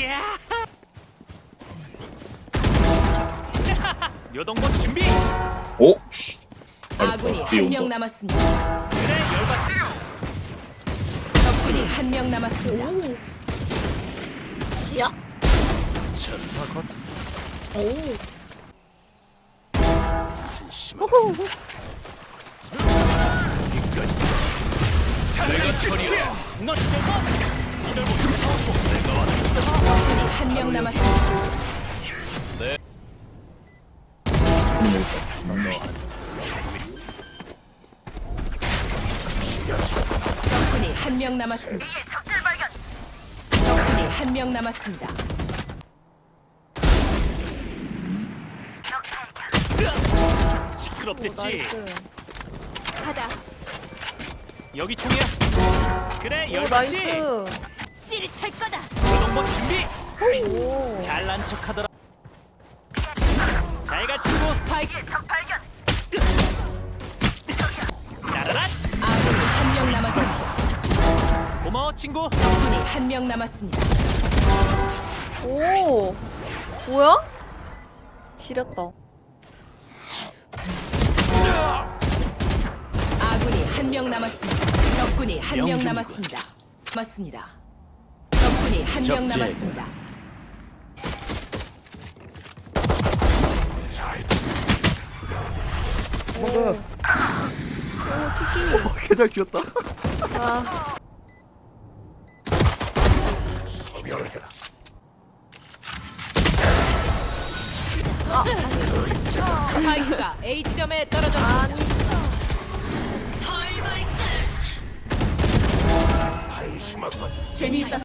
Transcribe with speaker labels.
Speaker 1: 이야! 요동본 준비.
Speaker 2: 오? 씨.
Speaker 3: 아군이 한 명 남았습니다.
Speaker 1: 그래 열받지.
Speaker 3: 적군이 한 명 남았습니다.
Speaker 4: 시야?
Speaker 1: 전파 것.
Speaker 4: 오.
Speaker 1: 한심한 인사. 여기까지. 내가 처리야. 너 셔봐. 이절 못해. 내가 왔다.
Speaker 3: 적군이 한 명 남았습니다. 적군이 한 명 남았습니다. 적군이 한 명 남았습니다.
Speaker 1: 시끄럽댔지.
Speaker 3: 하다.
Speaker 1: 여기 총이야. 그래
Speaker 4: 오,
Speaker 1: 열받지.
Speaker 4: 나이스.
Speaker 3: 찌릿할 거다.
Speaker 1: 요동본 준비.
Speaker 4: 오.
Speaker 1: 잘난 척하더라. 잘가 친구 스파이크. 나라라.
Speaker 3: 아군이 한 명 남았습니다.
Speaker 1: 고마워 친구.
Speaker 3: 적군이 한 명 남았습니다.
Speaker 4: 오. 뭐야? 지렸다.
Speaker 3: 아군이 한 명 남았습니다. 적군이 한 명
Speaker 1: 명중이군.
Speaker 3: 남았습니다. 맞습니다. 적군이 한 명
Speaker 1: 적재군.
Speaker 3: 남았습니다.
Speaker 4: 오, 티키.
Speaker 5: 개잘 튀었다.
Speaker 4: 아,
Speaker 1: 소멸해라.
Speaker 3: 스파이크가 A 지점에 떨어졌습니다.
Speaker 4: 아니.
Speaker 1: 한심하군.
Speaker 3: 재미있었